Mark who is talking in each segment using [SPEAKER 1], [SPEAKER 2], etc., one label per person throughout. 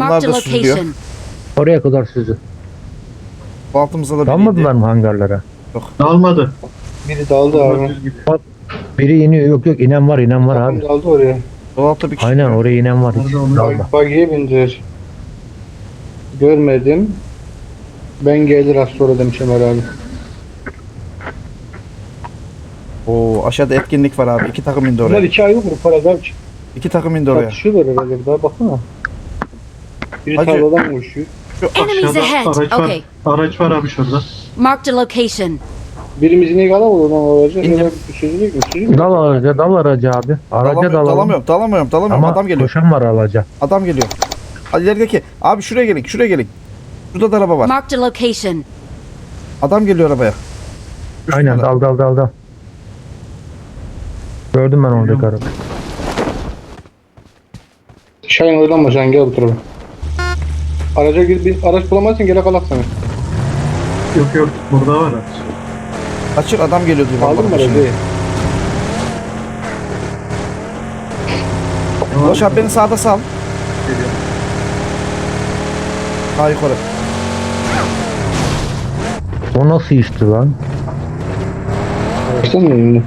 [SPEAKER 1] Onlar
[SPEAKER 2] Marked a
[SPEAKER 1] da süzülüyor.
[SPEAKER 2] location.
[SPEAKER 3] Oraya kadar süzü.
[SPEAKER 1] Bu altımıza da bir
[SPEAKER 3] Dalmadılar mı hangarlara?
[SPEAKER 4] Dalmadı.
[SPEAKER 5] Biri daldı
[SPEAKER 4] Onlar
[SPEAKER 5] abi.
[SPEAKER 4] düz gidiyor.
[SPEAKER 3] Bak biri iniyor. Yok yok inen var
[SPEAKER 5] Takım
[SPEAKER 3] abi.
[SPEAKER 5] daldı oraya.
[SPEAKER 1] Sol altta bir kişi.
[SPEAKER 3] Aynen oraya inen var. Hiç
[SPEAKER 4] Nerede onlar?
[SPEAKER 3] dalma.
[SPEAKER 5] Bagiye bindiler. Görmedim. Ben gelir az sonra demiş Ömer abi.
[SPEAKER 1] Oo, aşağıda etkinlik var abi. 2 takım indi
[SPEAKER 5] Bunlar
[SPEAKER 1] oraya.
[SPEAKER 5] iki ayrı grup para abi.
[SPEAKER 1] 2 takım indi oraya.
[SPEAKER 5] Tartışıyorlar herhalde. Daha baksana. Biri
[SPEAKER 1] Hacı.
[SPEAKER 5] tarladan koşuyor.
[SPEAKER 2] Enemies
[SPEAKER 4] Aşağıda
[SPEAKER 2] ahead.
[SPEAKER 4] araç var.
[SPEAKER 2] Okay.
[SPEAKER 4] Araç var abi şurada.
[SPEAKER 2] Marked a location.
[SPEAKER 5] Birimiz ineği alamadı oradan aracı.
[SPEAKER 1] İndim.
[SPEAKER 5] Ya da süzülecek mi? Süzülecek.
[SPEAKER 3] Dal araca abi. Araca dalalım.
[SPEAKER 1] Dalamıyorum.
[SPEAKER 3] Ama
[SPEAKER 1] Adam geliyor.
[SPEAKER 3] koşan var araca.
[SPEAKER 1] Adam geliyor. Hadi ilerideki. Abi şuraya gelin. Şurada da araba var.
[SPEAKER 2] Marked a location.
[SPEAKER 1] Adam geliyor arabaya.
[SPEAKER 3] Aynen dal. Gördüm ben oradaki arabayı.
[SPEAKER 5] Şahin oynanma Şahin gel bu tarafa. Araca gir, bir araç bulamazsın gele kalak sana.
[SPEAKER 4] Yok burada var araç.
[SPEAKER 1] Açık adam geliyor diyor.
[SPEAKER 5] Aldın mı
[SPEAKER 1] vallahi şimdi.
[SPEAKER 5] aracı?
[SPEAKER 1] Ulaş abi beni sağda sal.
[SPEAKER 4] Geliyor.
[SPEAKER 1] Daha yukarı.
[SPEAKER 3] O nasıl işti lan?
[SPEAKER 5] Açtın mı önünü?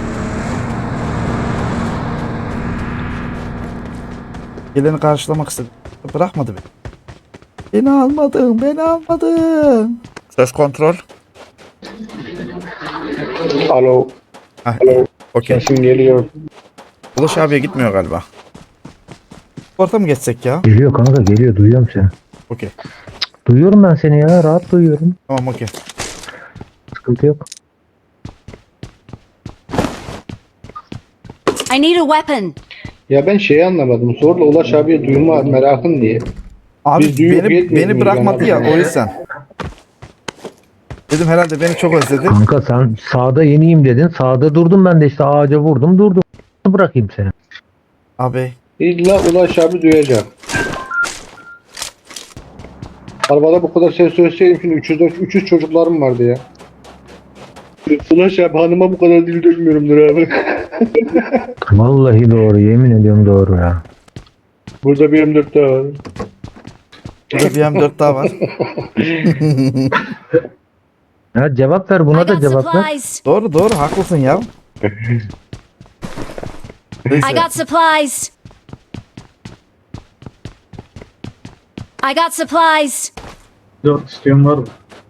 [SPEAKER 1] Geleni karşılamak istedim. Bırakmadı beni. Beni almadın. Söz kontrol.
[SPEAKER 5] Alo.
[SPEAKER 1] Heh, okey.
[SPEAKER 5] Sesim geliyor.
[SPEAKER 1] Ulaş abiye gitmiyor galiba. Orta mı geçsek ya?
[SPEAKER 3] Geliyor kanka geliyor. Duyuyorum seni.
[SPEAKER 1] Okey.
[SPEAKER 3] Duyuyorum ben seni ya. Rahat duyuyorum.
[SPEAKER 1] Tamam okey.
[SPEAKER 3] Sıkıntı yok.
[SPEAKER 2] I need a weapon.
[SPEAKER 5] Ya ben şeyi anlamadım. Zorla Ulaş abiye duyma merakın diye.
[SPEAKER 1] Abi
[SPEAKER 5] Biz duyup
[SPEAKER 1] beni
[SPEAKER 5] yetmiyoruz
[SPEAKER 1] bırakmadı ya
[SPEAKER 5] yani.
[SPEAKER 1] o yüzden. Dedim herhalde beni çok özledi.
[SPEAKER 3] Kanka sen sağda yeniyim dedin. Sağda durdum ben de işte ağaca vurdum durdum. Bırakayım seni.
[SPEAKER 1] Abi
[SPEAKER 5] İlla Ulaş abi duyacak. Arabada bu kadar ses söyleseydim şimdi 300 çocuklarım vardı ya. Ulaş abi hanıma bu kadar dil dökmüyorumdur abi.
[SPEAKER 3] Vallahi doğru yemin ediyorum doğru ya.
[SPEAKER 5] Burada bir M4 daha var.
[SPEAKER 1] burada bir M4 daha var.
[SPEAKER 3] Ya cevap ver
[SPEAKER 2] I
[SPEAKER 3] buna da
[SPEAKER 2] got
[SPEAKER 3] cevap ver.
[SPEAKER 2] supplies.
[SPEAKER 1] Doğru haklısın ya. Neyse.
[SPEAKER 2] I got supplies. I got supplies.
[SPEAKER 4] 4 isteyen var mı?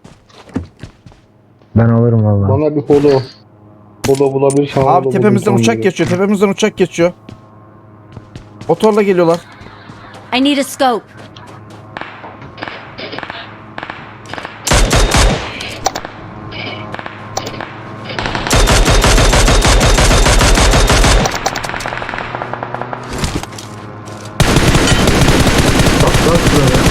[SPEAKER 3] Ben alırım vallahi.
[SPEAKER 5] Bana bir holo bulabilirsen.
[SPEAKER 1] Abi tepemizden uçak geçiyor. Motorla geliyorlar.
[SPEAKER 2] I need a scope.
[SPEAKER 4] Bak şuraya.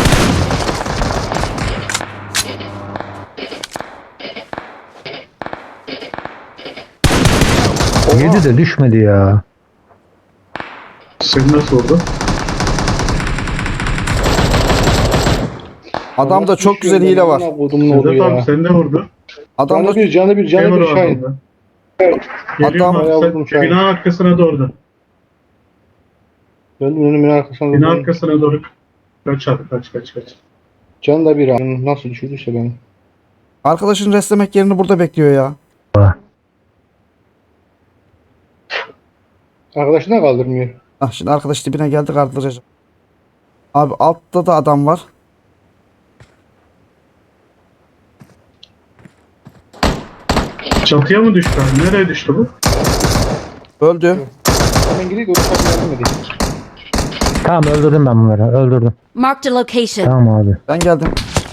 [SPEAKER 3] Yedi de düşmedi ya.
[SPEAKER 4] Seni nasıl oldu?
[SPEAKER 1] Adamda çok güzel hile var.
[SPEAKER 5] Sedat
[SPEAKER 4] Sedat abi sen de vurdu.
[SPEAKER 1] Adamda
[SPEAKER 5] Canı bir
[SPEAKER 4] Memur o
[SPEAKER 5] Şahin.
[SPEAKER 4] adamda. Geliyorum
[SPEAKER 1] Adam-
[SPEAKER 4] abi
[SPEAKER 5] Vurdum
[SPEAKER 4] sen
[SPEAKER 5] Şahin.
[SPEAKER 4] bina arkasına doğru.
[SPEAKER 5] Döndüm önümün arkasına.
[SPEAKER 4] Bina
[SPEAKER 5] döndüm.
[SPEAKER 4] arkasına doğru. Kaç abi kaç.
[SPEAKER 5] Can da bir abi. Nasıl düşürdüyse beni.
[SPEAKER 1] arkadaşın restlemek yerini burada bekliyor ya.
[SPEAKER 5] Arkadaşına kaldırmıyor.
[SPEAKER 1] Ah şimdi arkadaş dibine geldi kaldıracak. Abi altta da adam var.
[SPEAKER 4] Çatıya mı düştü abi? Nereye düştü bu?
[SPEAKER 1] Öldü.
[SPEAKER 5] Hemen gireyim de uçak yardım edeyim.
[SPEAKER 3] Tamam öldürdüm ben bunları. Öldürdüm.
[SPEAKER 2] Marked a location.
[SPEAKER 3] Tamam abi.
[SPEAKER 1] Ben geldim.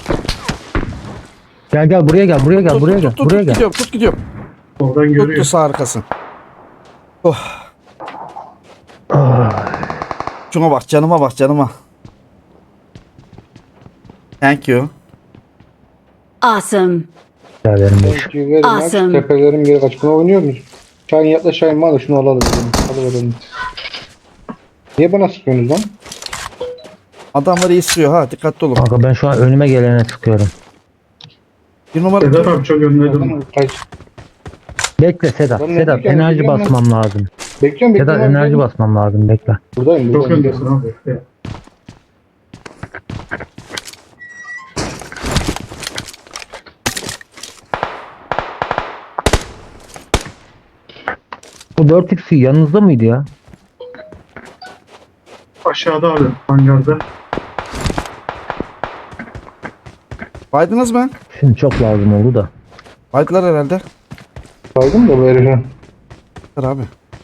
[SPEAKER 3] Gel buraya gel. Buraya gel. Buraya gel. Buraya gel.
[SPEAKER 1] Gidiyorum.
[SPEAKER 4] Oradan
[SPEAKER 1] Tuttu
[SPEAKER 4] görüyor.
[SPEAKER 1] sağ arkasın. Oh. Şuna bak canıma. Thank you.
[SPEAKER 2] Awesome.
[SPEAKER 3] Rica ederim.
[SPEAKER 5] Teşekkür ederim.
[SPEAKER 2] Awesome.
[SPEAKER 5] Tepelerim geri kaç. Buna oynuyor muyuz? Şahin yaklaş Şahin bana şunu alalım. Alıverelim. Niye bana sıkıyorsunuz lan?
[SPEAKER 1] Adamları istiyor ha dikkatli olun.
[SPEAKER 3] Kanka ben şu an önüme gelene sıkıyorum.
[SPEAKER 1] Bir numara.
[SPEAKER 4] Sedat abi çok önüne durma.
[SPEAKER 5] Adam kaç.
[SPEAKER 3] Bekle Sedat.
[SPEAKER 5] Ben
[SPEAKER 3] Sedat
[SPEAKER 5] bekliyorum,
[SPEAKER 3] enerji
[SPEAKER 5] bekliyorum
[SPEAKER 3] basmam lazım.
[SPEAKER 5] Bekliyorum
[SPEAKER 3] Sedat
[SPEAKER 5] bekliyorum.
[SPEAKER 3] enerji basmam lazım. Bekle.
[SPEAKER 5] Buradayım.
[SPEAKER 4] Çok öndesin abi.
[SPEAKER 3] Bu 4x'i yanınızda mıydı ya?
[SPEAKER 4] Aşağıda abi hangarda.
[SPEAKER 1] Baydınız mı?
[SPEAKER 3] Şimdi çok lazım oldu da.
[SPEAKER 1] Baydılar herhalde.
[SPEAKER 5] Saydım da bu herife.
[SPEAKER 1] Dur abi.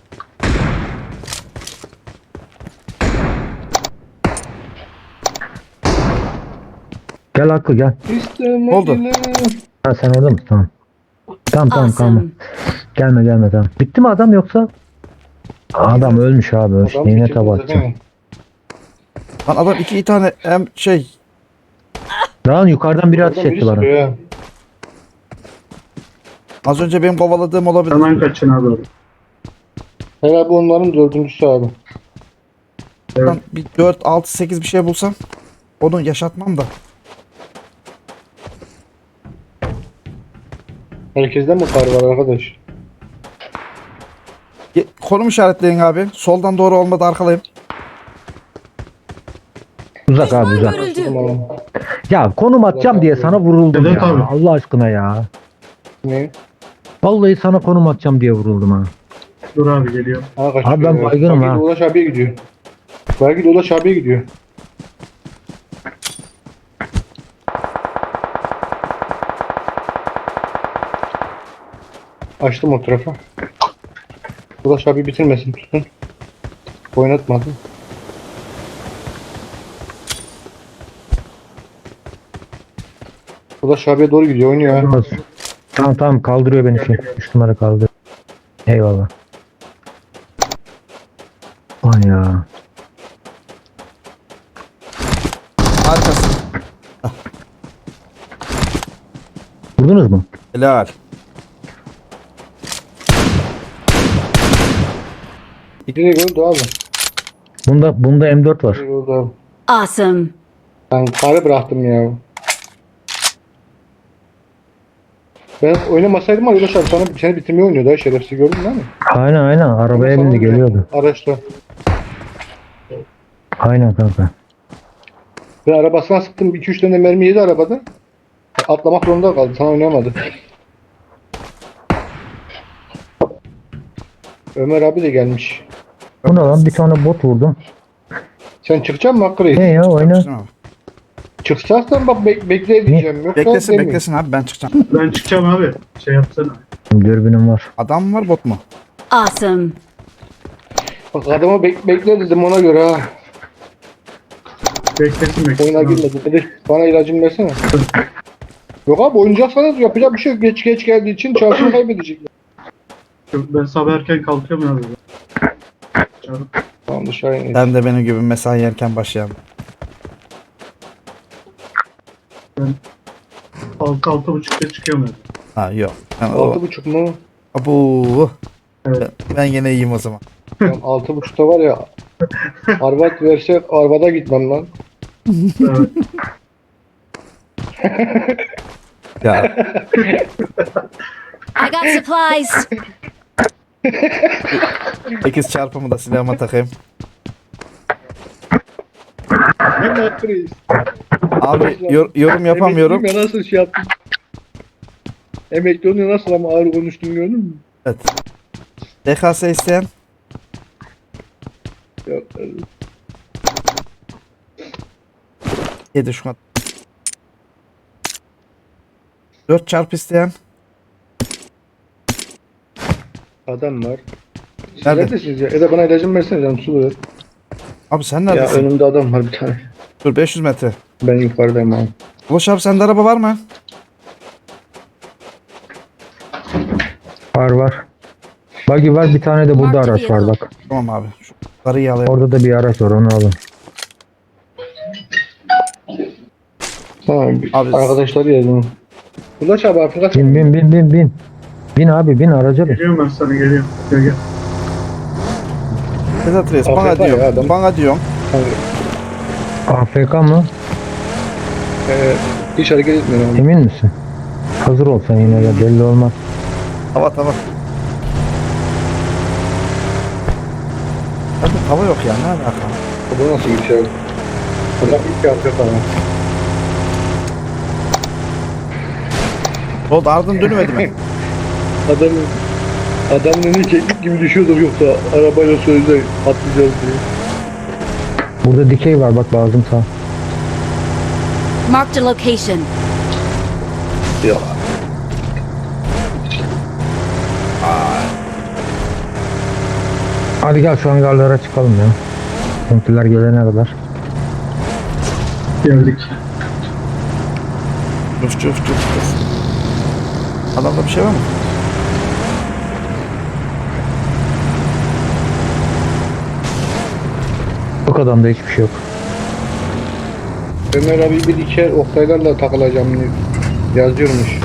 [SPEAKER 3] Gel Hakkı gel.
[SPEAKER 1] Oldu.
[SPEAKER 3] Ha sen orada mısın? Tamam. Tamam kalma.
[SPEAKER 2] Awesome.
[SPEAKER 3] Gelme tamam. Bitti mi adam yoksa? Adam ölmüş abi ölmüş. Neyine tabi atacağım.
[SPEAKER 1] Lan adam iki tane hem şey.
[SPEAKER 3] Lan yukarıdan biri ateş etti bana.
[SPEAKER 1] Az önce benim kovaladığım olabilir.
[SPEAKER 4] Hemen kaçın abi.
[SPEAKER 5] Herhalde bu onların dördüncüsü abi.
[SPEAKER 1] Lan bir 4, 6, 8 bir şey bulsam onu yaşatmam da.
[SPEAKER 5] Herkesten mi kar var arkadaş?
[SPEAKER 1] Konum işaretleyin abi. Soldan doğru olmadı arkalayayım.
[SPEAKER 3] Uzak abi uzak.
[SPEAKER 2] Görüldü.
[SPEAKER 5] Tamam.
[SPEAKER 3] Ya konum atacağım diye sana vuruldum
[SPEAKER 4] Evet
[SPEAKER 3] ya.
[SPEAKER 4] abi.
[SPEAKER 3] Allah aşkına ya.
[SPEAKER 5] Ne?
[SPEAKER 3] Vallahi sana konum atacağım diye vuruldum ha.
[SPEAKER 4] Dur abi geliyor.
[SPEAKER 5] Ha kaçıyor.
[SPEAKER 3] Abi ben baygınım
[SPEAKER 5] Belki
[SPEAKER 3] ha.
[SPEAKER 5] de Ulaş abiye gidiyor. Belki de Ulaş abiye gidiyor. Açtım o tarafa. Ulaş abi bitirmesin tutun. Oynatmadım. Ulaş abiye doğru gidiyor oynuyor ha.
[SPEAKER 3] Tamam kaldırıyor beni şey. 3 numara kaldır. Eyvallah. Ay ya.
[SPEAKER 1] Arkası.
[SPEAKER 3] Vurdunuz mu?
[SPEAKER 1] Helal.
[SPEAKER 5] Direkt öldü abi.
[SPEAKER 3] Bunda M4 var.
[SPEAKER 5] Direkt öldü abi.
[SPEAKER 2] Awesome.
[SPEAKER 5] Ben karı bıraktım ya. Ben oynamasaydım ama Ulaş abi sana seni bitirmeyi oynuyordu ha şerefsiz gördün değil mi?
[SPEAKER 3] Aynen arabaya
[SPEAKER 5] Sana
[SPEAKER 3] bindi
[SPEAKER 5] oynuyor.
[SPEAKER 3] geliyordu.
[SPEAKER 5] Araçta.
[SPEAKER 3] Aynen kanka.
[SPEAKER 5] Ben arabasına sıktım 2-3 tane mermi yedi arabada. Atlamak zorunda kaldı sana oynayamadı. Ömer abi de gelmiş.
[SPEAKER 3] Bu ne lan bir tane bot vurdum.
[SPEAKER 5] Sen çıkacak mısın Hakkı Reis?
[SPEAKER 3] Ne ya oyna.
[SPEAKER 1] Çıkacağım abi.
[SPEAKER 5] Çıkacaksan bak bekle diyeceğim. Yoksa
[SPEAKER 1] Beklesin
[SPEAKER 5] demeyeyim.
[SPEAKER 1] beklesin abi ben çıkacağım.
[SPEAKER 4] Ben çıkacağım abi. Şey yapsana.
[SPEAKER 3] Dürbünüm var.
[SPEAKER 1] Adam mı var bot mu?
[SPEAKER 2] Awesome.
[SPEAKER 5] Bak adama bekle dedim ona göre ha.
[SPEAKER 4] Beklesin beklesin.
[SPEAKER 5] Oyuna
[SPEAKER 4] abi.
[SPEAKER 5] girmedi. Dedi bana ilacımı versene. Yok abi oynayacaksanız yapacak bir şey yok. Geç geldiği için çarşını kaybedecekler.
[SPEAKER 4] Ben sabah erken kalkıyorum abi. Çabuk.
[SPEAKER 5] Tamam dışarı inelim.
[SPEAKER 1] Sen de benim gibi mesai yerken başlayalım.
[SPEAKER 4] 6-6.30'da çıkıyorum abi.
[SPEAKER 1] Ha yok. Ben,
[SPEAKER 5] 6.30 mu?
[SPEAKER 1] Abu.
[SPEAKER 4] Evet.
[SPEAKER 1] Ben yine iyiyim o zaman.
[SPEAKER 5] Tamam, 6.30'da var ya. Arbat verse arabada gitmem lan.
[SPEAKER 4] Evet.
[SPEAKER 1] Ya
[SPEAKER 2] 'Supplies.
[SPEAKER 1] 8 çarpımı da silahıma takayım.
[SPEAKER 5] Ben de Hakkı Reis.
[SPEAKER 1] Abi yorum yapamıyorum.
[SPEAKER 5] Emekliyim ya nasıl şey yaptım. Emekli olunca nasıl ama ağır konuştum gördün mü?
[SPEAKER 1] Evet. DKS isteyen
[SPEAKER 5] Yok.
[SPEAKER 1] 7 Şubat. 4 çarp isteyen.
[SPEAKER 5] Adam var. Siz
[SPEAKER 1] Nerede?
[SPEAKER 5] neredesiniz ya? Ya da bana ilacımı versene canım su ver.
[SPEAKER 1] Abi sen
[SPEAKER 5] Ya
[SPEAKER 1] neredesin?
[SPEAKER 5] önümde adam var bir tane.
[SPEAKER 1] Dur 500 metre.
[SPEAKER 5] Ben yukarıdayım abi.
[SPEAKER 1] Ulaş abi sende araba var mı?
[SPEAKER 3] Var. Buggy var bir tane de burada araç var bak.
[SPEAKER 1] Tamam abi. Şu karıyı alayım.
[SPEAKER 3] Orada da bir araç var onu alın.
[SPEAKER 5] Tamam.
[SPEAKER 1] Abi-
[SPEAKER 5] Arkadaşları yazdım. Ulaş abi Afrika
[SPEAKER 3] Bin. Bin abi bin araca bin.
[SPEAKER 4] Geliyorum ben sana geliyorum. Gel.
[SPEAKER 1] Sedat Reis bana
[SPEAKER 5] AFK ya
[SPEAKER 1] diyorum.
[SPEAKER 5] adam.
[SPEAKER 1] Bana diyorum.
[SPEAKER 3] AFK mı?
[SPEAKER 5] Hiç hareket etmiyorum abi.
[SPEAKER 3] Emin misin? Hazır olsan yine ya belli olmaz.
[SPEAKER 1] Tava. Abi tava yok ya ne alaka?
[SPEAKER 5] Bu nasıl bir şey abi? Adam ilk yapıyor falan.
[SPEAKER 1] Oldu ardın dönmedi mi?
[SPEAKER 5] Adamın Adamın önüne keklik gibi düşüyordur yoksa arabayla sözde atlayacağız diye.
[SPEAKER 3] Burada dikey var bak lazım sağ.
[SPEAKER 2] Marked a location.
[SPEAKER 5] Ya.
[SPEAKER 3] Hadi gel şu hangarlara çıkalım ya. Kompiler gelene kadar.
[SPEAKER 4] Geldik.
[SPEAKER 1] Çuf çuf çuf çuf. Adamda bir şey var mı?
[SPEAKER 3] Yok adamda hiçbir şey yok.
[SPEAKER 5] Ömer abi bir diker Oktaylarla takılacağım diye yazıyormuş.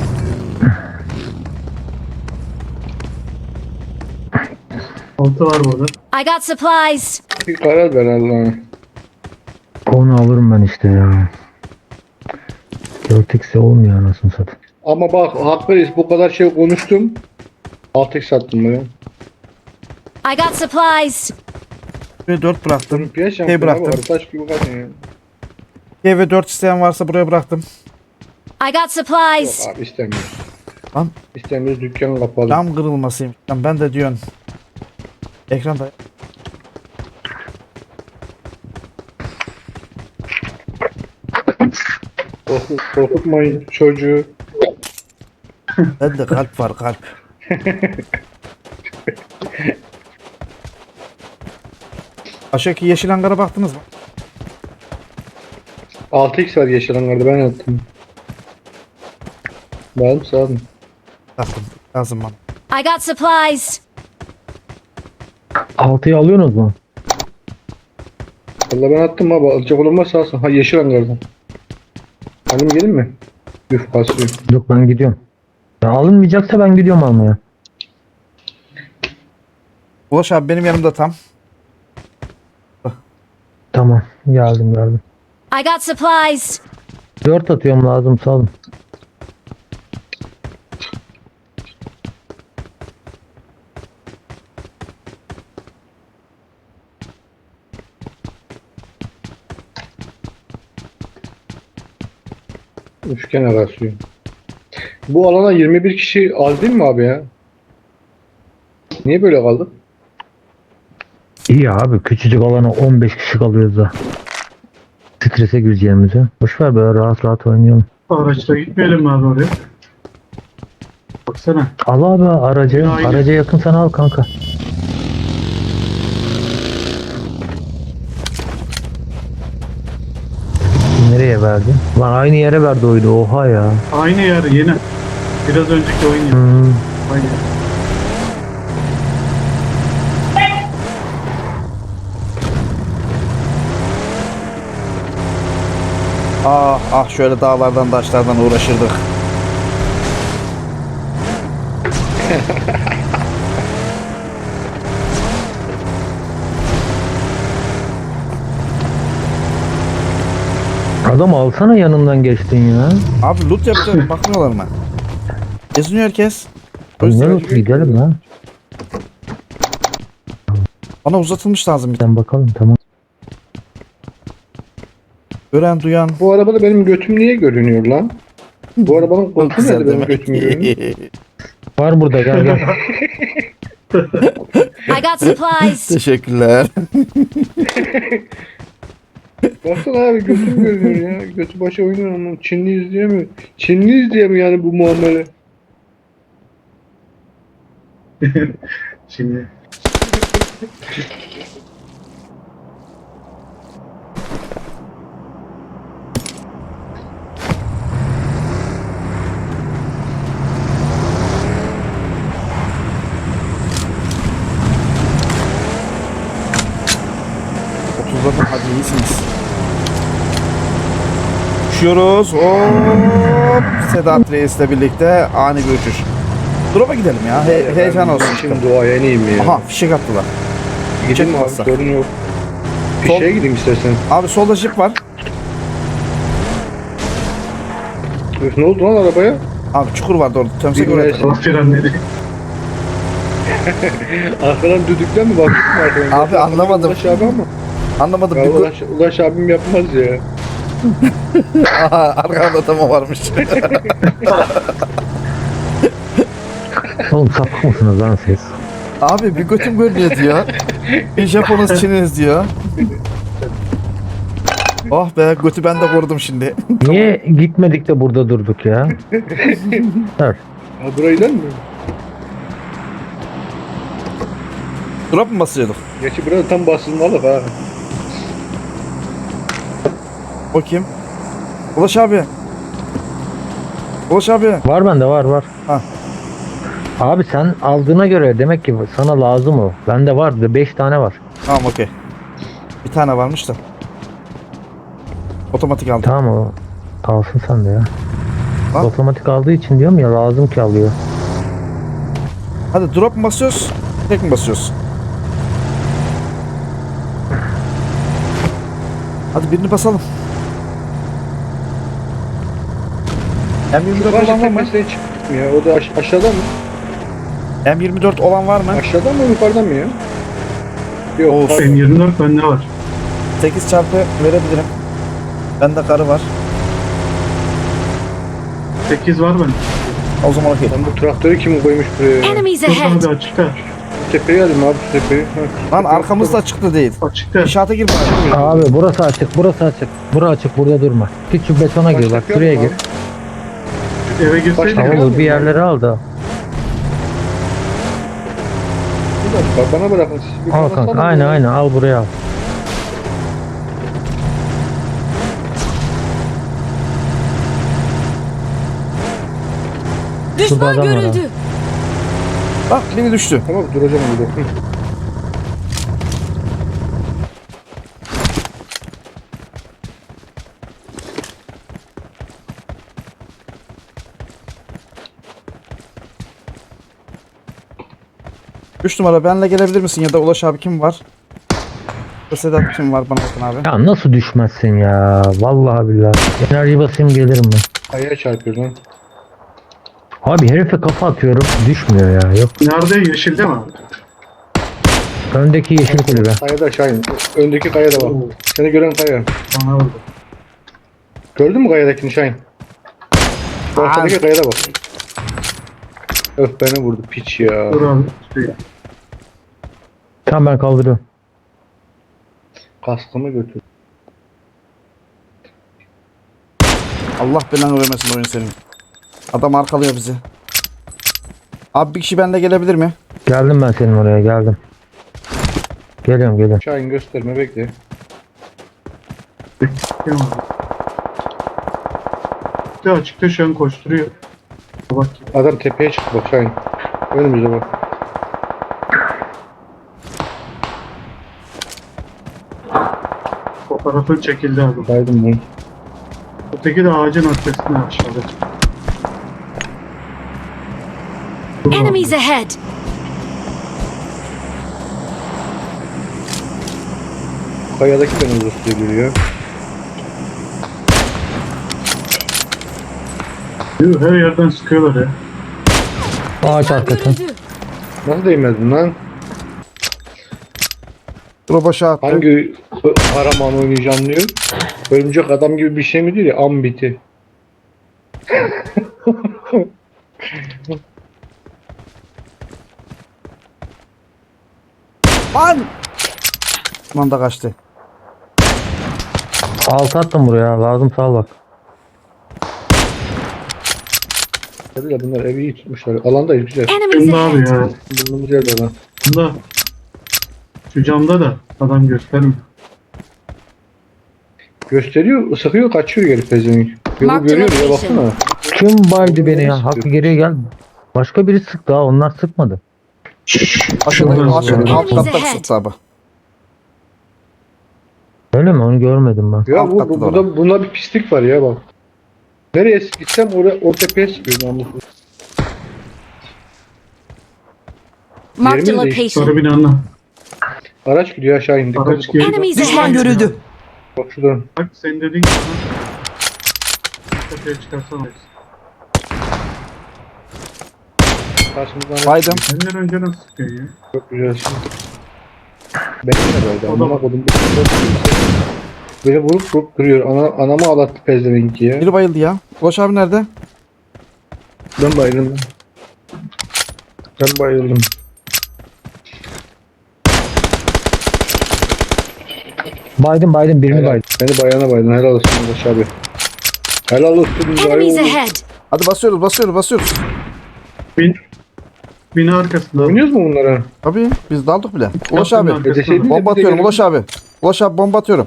[SPEAKER 4] Altı var burada.
[SPEAKER 2] I got supplies.
[SPEAKER 5] Bir karar ver Allah'ım.
[SPEAKER 3] Onu alırım ben işte ya. 4x'e olmuyor anasını satayım.
[SPEAKER 5] Ama bak Hakkı bu kadar şey konuştum. 6x sattım buraya.
[SPEAKER 2] I got supplies.
[SPEAKER 1] Buraya 4 bıraktım.
[SPEAKER 5] Olimpiyat
[SPEAKER 1] Şey
[SPEAKER 5] şampiyonu
[SPEAKER 1] bıraktım.
[SPEAKER 5] var. Taş gibi kadın ya.
[SPEAKER 1] K ve 4 isteyen varsa buraya bıraktım.
[SPEAKER 2] I got supplies.
[SPEAKER 5] Yok abi istemiyoruz.
[SPEAKER 1] Lan.
[SPEAKER 5] İstemiyoruz dükkan kapalı.
[SPEAKER 1] Cam kırılmasıyım. Lan ben de diyorsun. Ekranda.
[SPEAKER 5] Korkutmayın çocuğu.
[SPEAKER 1] Bende kalp var kalp. Aşağıdaki yeşil hangara baktınız mı?
[SPEAKER 5] 6x var yeşil hangarda ben attım. Ben sağdım.
[SPEAKER 1] Baktım. Lazım bana.
[SPEAKER 2] I got supplies.
[SPEAKER 3] 6'yı alıyorsunuz mu?
[SPEAKER 5] Valla ben attım abi. Alacak olan varsa alsın. Ha yeşil hangarda. Halim gelin mi? Üf kasıyor.
[SPEAKER 3] Yok ben gidiyorum. Ya alınmayacaksa ben gidiyorum almaya.
[SPEAKER 1] Ulaş abi benim yanımda tam.
[SPEAKER 3] Tamam geldim.
[SPEAKER 2] I got supplies.
[SPEAKER 3] 4 atıyorum lazım sağ olun.
[SPEAKER 5] Üçgen kasıyor. Bu alana 21 kişi az değil mi abi ya? Niye böyle kaldık?
[SPEAKER 3] İyi abi küçücük alana 15 kişi kalıyoruz da. Strese gireceğimize. Boşver böyle rahat rahat oynayalım.
[SPEAKER 4] Araçla gitmeyelim mi abi oraya? Baksana.
[SPEAKER 3] Al abi aracı.
[SPEAKER 4] Aynen.
[SPEAKER 3] Araca yakın sana al kanka. Nereye verdi? Lan aynı yere verdi oydu oha ya.
[SPEAKER 4] Aynı yer yine. Biraz önceki oyun yeri.
[SPEAKER 3] Hmm.
[SPEAKER 4] Aynı yer.
[SPEAKER 1] Ah ah şöyle dağlardan taşlardan uğraşırdık.
[SPEAKER 3] Adam alsana yanından geçtin ya.
[SPEAKER 1] Abi loot yapacak bakmıyorlar mı? Geziniyor herkes. O
[SPEAKER 3] Ne
[SPEAKER 1] yüzden
[SPEAKER 3] olsun gidelim lan.
[SPEAKER 1] bana uzatılmış lazım bir tane.
[SPEAKER 3] Sen bakalım tamam.
[SPEAKER 1] Gören duyan.
[SPEAKER 5] Bu arabada benim götüm niye görünüyor lan? Bu arabanın koltuğu nerede benim götüm görünüyor?
[SPEAKER 3] Var burada gel gel.
[SPEAKER 2] I got supplies.
[SPEAKER 1] Teşekkürler.
[SPEAKER 5] Baksana abi götüm görünüyor ya. Götü başa oynuyor ama Çinliyiz diye mi? Çinliyiz diye mi yani bu muamele?
[SPEAKER 4] Şimdi.
[SPEAKER 1] Otuzladım hadi iyisiniz. Uçuyoruz. Hop. Sedat Reis'le birlikte ani bir uçuş. Drop'a gidelim ya. Heyecan olsun.
[SPEAKER 5] Şimdi doğaya ineyim ya.
[SPEAKER 1] Aha fişek attılar.
[SPEAKER 5] Gideyim mi abi
[SPEAKER 1] masa.
[SPEAKER 5] sorun yok. Fişeye gideyim istersen.
[SPEAKER 1] Abi solda jip var.
[SPEAKER 5] Öf, ne oldu lan arabaya?
[SPEAKER 1] Abi çukur vardı orada. Tömsek
[SPEAKER 5] Bilmem.
[SPEAKER 1] oraya.
[SPEAKER 4] Allah frenleri.
[SPEAKER 5] Arkadan düdükten mi baktın arkadan?
[SPEAKER 1] Abi anlamadım.
[SPEAKER 5] Ulaş abi ama.
[SPEAKER 1] Anlamadım.
[SPEAKER 5] Ya
[SPEAKER 1] Bir
[SPEAKER 5] Ulaş abim yapmaz ya.
[SPEAKER 1] Aha, arkamda tamam varmış.
[SPEAKER 3] Oğlum sapık mısınız lan siz?
[SPEAKER 1] Abi bir götüm görünüyor diyor. Bir Japonuz Çiniz diyor. Oh be götü ben de korudum şimdi.
[SPEAKER 3] Niye gitmedik de burada durduk ya? Dur.
[SPEAKER 5] Ha burayı lan mı?
[SPEAKER 1] Drop mu basıyorduk?
[SPEAKER 5] Gerçi burada tam basılmalık ha.
[SPEAKER 1] O kim? Ulaş abi. Ulaş abi.
[SPEAKER 3] Var bende var.
[SPEAKER 1] Ha.
[SPEAKER 3] Abi sen aldığına göre demek ki sana lazım o. Bende var 5 tane var.
[SPEAKER 1] Tamam okey. Bir tane varmış da. Otomatik aldım.
[SPEAKER 3] Tamam o. Kalsın sende ya.
[SPEAKER 1] Al.
[SPEAKER 3] Otomatik aldığı için diyorum ya lazım ki alıyor.
[SPEAKER 1] Hadi drop mu basıyoruz? Tek mi basıyoruz? Hadi birini basalım. M24 olan var mı?
[SPEAKER 5] Tepesine çıktık mı ya? O da aşağıda mı?
[SPEAKER 1] M24 olan var mı?
[SPEAKER 5] Aşağıdan mı yukarıdan mı ya? Yok.
[SPEAKER 1] Olsun.
[SPEAKER 5] pardon.
[SPEAKER 4] M24 bende var.
[SPEAKER 1] 8 çarpı verebilirim. Bende karı var.
[SPEAKER 4] 8 var bende.
[SPEAKER 1] O zaman okey.
[SPEAKER 5] Lan bu traktörü kim koymuş buraya ya?
[SPEAKER 2] Enemies
[SPEAKER 4] Şurada
[SPEAKER 2] ahead!
[SPEAKER 4] abi açıkta.
[SPEAKER 5] Bu tepeye alayım abi şu tepeyi. Ha.
[SPEAKER 1] Lan arkamızda çıktı değil.
[SPEAKER 4] Açıkta.
[SPEAKER 1] İnşaata girme.
[SPEAKER 3] Abi burası açık. Bura açık burada durma. Git şu betona gir bak
[SPEAKER 5] Başlık
[SPEAKER 3] şuraya
[SPEAKER 5] yok mu
[SPEAKER 3] gir.
[SPEAKER 4] Eve girseydin
[SPEAKER 5] Başka-
[SPEAKER 4] ya.
[SPEAKER 3] Tamam bir yerlere al da.
[SPEAKER 5] Bir dakika bana bırakın siz. bir
[SPEAKER 3] Al
[SPEAKER 5] bana
[SPEAKER 3] kanka
[SPEAKER 5] salın
[SPEAKER 3] aynen
[SPEAKER 5] ya.
[SPEAKER 3] aynen al buraya al.
[SPEAKER 2] Düşman
[SPEAKER 3] adam var ha.
[SPEAKER 2] görüldü!
[SPEAKER 1] Bak beni düştü.
[SPEAKER 5] Tamam duracağım burada. Hı.
[SPEAKER 1] Üç numara benle gelebilir misin ya da Ulaş abi kim var? Sedat kim var bana bakın abi.
[SPEAKER 3] Ya nasıl düşmezsin ya? Vallahi billahi. Enerji basayım gelirim ben.
[SPEAKER 5] Kayaya çarpıyor lan.
[SPEAKER 3] Abi herife kafa atıyorum düşmüyor ya. Yok.
[SPEAKER 4] Nerede? Yeşilde mi abi?
[SPEAKER 3] Öndeki yeşil kulübe.
[SPEAKER 5] Kayada Şahin. Öndeki kayada bak. Seni gören kaya.
[SPEAKER 4] Bana vurdu.
[SPEAKER 5] Gördün mü kayadakini Şahin? Şu arkadaki kayada bak. Öf beni vurdu piç ya.
[SPEAKER 4] Dur abi. Şuraya.
[SPEAKER 3] Tamam ben kaldırıyorum.
[SPEAKER 5] Kaskımı götür.
[SPEAKER 1] Allah belanı vermesin oyun senin. Adam arkalıyor bizi. Abi bir kişi benle gelebilir mi?
[SPEAKER 3] Geldim ben senin oraya geldim. Geliyorum.
[SPEAKER 5] Şahin gösterme bekle.
[SPEAKER 4] Bakıyorum abi. Açıkta şu an koşturuyor. Bak.
[SPEAKER 5] Adam tepeye çıktı bak Şahin. Önümüze bak.
[SPEAKER 4] Fotoğrafın çekildi abi.
[SPEAKER 5] Kaydım bunu.
[SPEAKER 4] Öteki de ağacın arkasında aşağıda. Dur abi.
[SPEAKER 2] Enemies ahead!
[SPEAKER 5] Kayadaki beni uzun görüyor.
[SPEAKER 4] Yuh, her yerden sıkıyorlar ya.
[SPEAKER 3] Ağaç
[SPEAKER 2] Düşman
[SPEAKER 3] arkası.
[SPEAKER 2] görüldü!
[SPEAKER 5] Nasıl değmedin lan?
[SPEAKER 1] Drop'a aşağı attı.
[SPEAKER 5] Hangi kahraman oynayacağım diyor. Örümcek adam gibi bir şey mi diyor ya? Ambiti.
[SPEAKER 1] Lan! Lan da kaçtı.
[SPEAKER 3] Altı attım buraya lazım sağ ol bak.
[SPEAKER 5] Tabii ya bunlar evi iyi tutmuşlar. Alandayız güzel.
[SPEAKER 2] Enemies
[SPEAKER 4] Bunda abi
[SPEAKER 2] ahead!
[SPEAKER 4] ya.
[SPEAKER 5] Bulunduğumuz yerde lan.
[SPEAKER 4] Bunda. Şu camda da adam göstermiyor.
[SPEAKER 5] Gösteriyor, sıkıyor, kaçıyor geri pezevenk. Yolu
[SPEAKER 2] Mark the
[SPEAKER 5] görüyor ya
[SPEAKER 2] location.
[SPEAKER 5] baksana.
[SPEAKER 3] Kim baydı beni ya? Hakkı geriye gel. Başka biri sıktı ha onlar sıkmadı.
[SPEAKER 1] Aşağıda
[SPEAKER 4] Şuradan
[SPEAKER 1] aşağı,
[SPEAKER 4] sıkıyor.
[SPEAKER 1] alt katta
[SPEAKER 2] Enemies ahead.
[SPEAKER 1] sıktı abi.
[SPEAKER 3] Öyle mi? Onu görmedim ben.
[SPEAKER 5] Ya
[SPEAKER 1] Alt
[SPEAKER 5] bu,
[SPEAKER 1] katta
[SPEAKER 5] bu,
[SPEAKER 1] da
[SPEAKER 5] burada, bunda bir pislik var ya bak. Nereye gitsem o tepeye sıkıyor namussuz.
[SPEAKER 2] Marked a
[SPEAKER 5] Yerimiz değişti.
[SPEAKER 2] location.
[SPEAKER 4] Sarı binanın.
[SPEAKER 5] Araç gidiyor aşağı indi.
[SPEAKER 4] Araç geliyor.
[SPEAKER 2] Enemies
[SPEAKER 6] Düşman
[SPEAKER 2] ahead!
[SPEAKER 6] görüldü.
[SPEAKER 5] Bak şuradan.
[SPEAKER 4] Bak sen dediğin gibi. Tepeye çıkarsan alırsın.
[SPEAKER 5] Karşımızdan araç
[SPEAKER 1] Baydım.
[SPEAKER 5] gidiyor.
[SPEAKER 4] Senden önce nasıl sıkıyor ya?
[SPEAKER 5] Çok güzel şimdi. Ben de böyle.
[SPEAKER 4] O da-
[SPEAKER 5] Amına kodum. Beni vurup duruyor. Anamı ağlattı pezevenki ya.
[SPEAKER 1] Biri bayıldı ya. Ulaş abi nerede?
[SPEAKER 5] Ben bayıldım. Ben bayıldım.
[SPEAKER 3] Baydım birini baydım.
[SPEAKER 5] Beni bayana baydın. Helal olsun Ulaş abi. Helal olsun.
[SPEAKER 2] Enemies
[SPEAKER 5] Bayıldım.
[SPEAKER 2] ahead!
[SPEAKER 1] Hadi basıyoruz.
[SPEAKER 4] Bina arkasında.
[SPEAKER 5] Oynuyoruz mu bunlara?
[SPEAKER 1] Tabii biz daldık bile. Ulaş
[SPEAKER 4] Yaptım
[SPEAKER 1] abi.
[SPEAKER 4] ben.
[SPEAKER 5] Deseydin de
[SPEAKER 1] Bomba
[SPEAKER 5] biz de
[SPEAKER 1] atıyorum
[SPEAKER 5] gelelim.
[SPEAKER 1] Ulaş abi. Ulaş abi bomba atıyorum.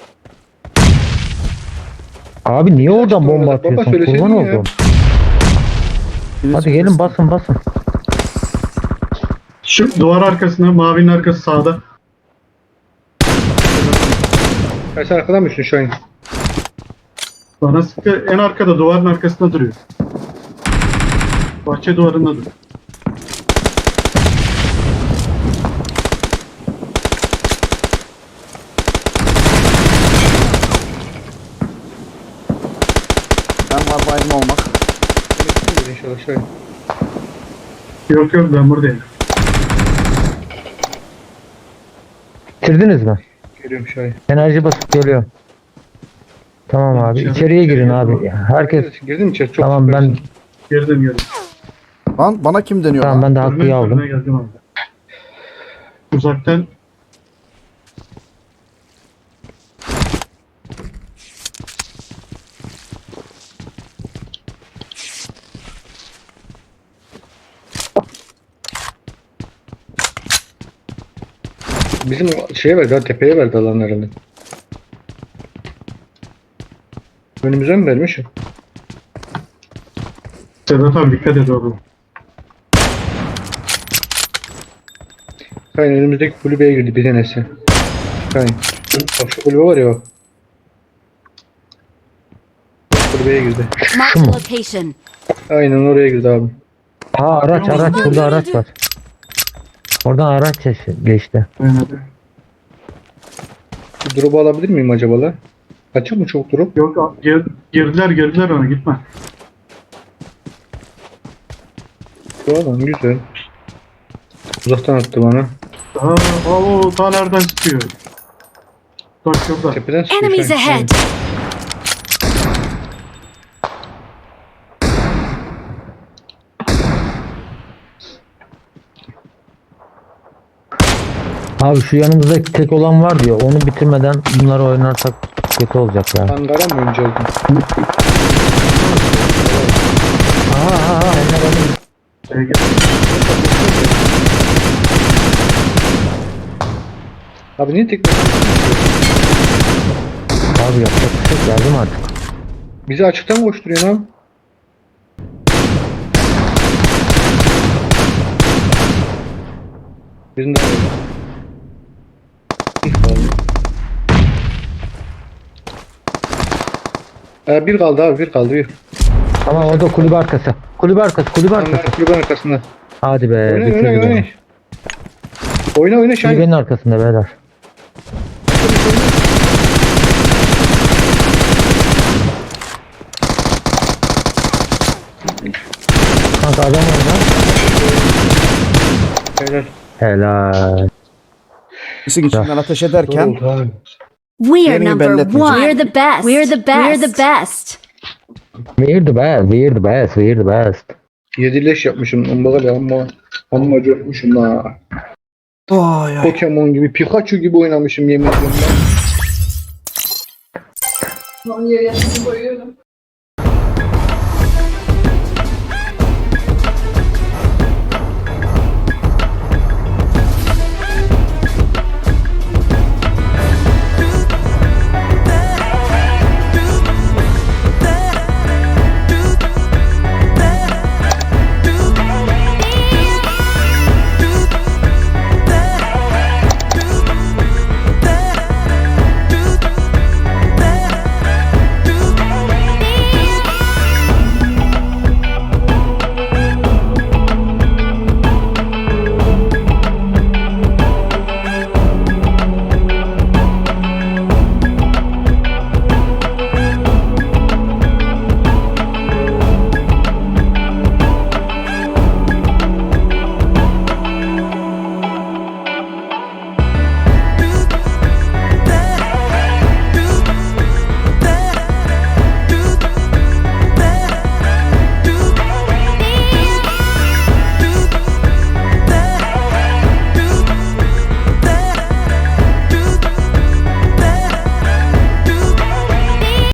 [SPEAKER 3] Abi niye oradan bomba
[SPEAKER 5] Baba,
[SPEAKER 3] atıyorsun?
[SPEAKER 5] söyleseydin
[SPEAKER 3] Kurban
[SPEAKER 5] ya.
[SPEAKER 3] oldum. Hadi gelin basın.
[SPEAKER 4] Şu duvar arkasında, mavinin arkası sağda.
[SPEAKER 5] Ya sen arkadan mısın Şahin?
[SPEAKER 4] Bana sıkı en arkada duvarın arkasında duruyor. Bahçe duvarında duruyor.
[SPEAKER 1] Ben var baydım olmak.
[SPEAKER 5] İnşallah Şahin.
[SPEAKER 4] Yok ben buradayım.
[SPEAKER 3] Bitirdiniz mi?
[SPEAKER 5] Geliyorum Şahin.
[SPEAKER 3] Enerji basıp geliyorum. Tamam abi. İçeriye girin abi. Herkes
[SPEAKER 5] Girdin mi içeri? Çok
[SPEAKER 3] tamam ben
[SPEAKER 5] süpersin.
[SPEAKER 4] Girdim.
[SPEAKER 1] Lan bana kim deniyor
[SPEAKER 3] tamam
[SPEAKER 1] lan?
[SPEAKER 3] ben de hakkıyı
[SPEAKER 4] Önüne
[SPEAKER 3] aldım.
[SPEAKER 4] geldim abi. Uzaktan
[SPEAKER 5] Bizim şeye verdi ha, tepeye verdi alan herhalde. Önümüze mi vermiş?
[SPEAKER 4] Sedat abi dikkat et oğlum.
[SPEAKER 5] Şahin önümüzdeki kulübeye girdi bir tanesi. Şahin. Bak şu kulübe var ya o. Kulübeye girdi.
[SPEAKER 2] Marked a location.
[SPEAKER 5] Aynen oraya girdi abi.
[SPEAKER 3] Ha araç burada araç var. Oradan araç geçti.
[SPEAKER 4] Aynen öyle.
[SPEAKER 5] Bir drop'u alabilir miyim acaba la? Açık mı çok drop?
[SPEAKER 4] Yok girdiler ona gitme.
[SPEAKER 5] Şu adam güzel. Uzaktan attı bana.
[SPEAKER 4] Ta nereden çıkıyor? Bak şurada.
[SPEAKER 5] Tepeden sıkıyor
[SPEAKER 2] Enemies
[SPEAKER 5] Şahin.
[SPEAKER 2] ahead!
[SPEAKER 3] Abi şu yanımızdaki tek olan var diyor. Onu bitirmeden bunları oynarsak kötü olacak ya.
[SPEAKER 5] Ankara mı önce aldın?
[SPEAKER 3] Aha onlar benim.
[SPEAKER 4] Şeye gel.
[SPEAKER 5] Abi niye tek
[SPEAKER 3] Abi yapacak bir şey yok, yardım artık.
[SPEAKER 5] bizi açıktan koşturuyorsun abi? Bizim de bir kaldı. Bir kaldı abi bir kaldı bir.
[SPEAKER 3] Ama o da kulübe arkası. Kulübe arkası.
[SPEAKER 5] Onlar kulübenin arkasında.
[SPEAKER 3] Hadi be.
[SPEAKER 5] Oyna
[SPEAKER 3] bitirdi
[SPEAKER 5] oyna oyna.
[SPEAKER 3] beni.
[SPEAKER 5] Oyna Şahin.
[SPEAKER 3] Kulübenin arkasında beyler. Kanka adam orada.
[SPEAKER 5] Helal.
[SPEAKER 3] Helal.
[SPEAKER 1] İşin içinden ateş ederken
[SPEAKER 5] Oldu abi.
[SPEAKER 2] We're
[SPEAKER 1] Yerini
[SPEAKER 2] number
[SPEAKER 1] belli
[SPEAKER 2] one.
[SPEAKER 1] etmeyeceğim.
[SPEAKER 2] We're the best. We're the best. We're the best.
[SPEAKER 3] We're the best.
[SPEAKER 5] 7 leş yapmışım. Amma amma coşmuşum ha.
[SPEAKER 1] Ay ay.
[SPEAKER 5] Pokemon gibi, Pikachu gibi oynamışım yemin ediyorum ben.
[SPEAKER 6] Onun yerine koyuyorum.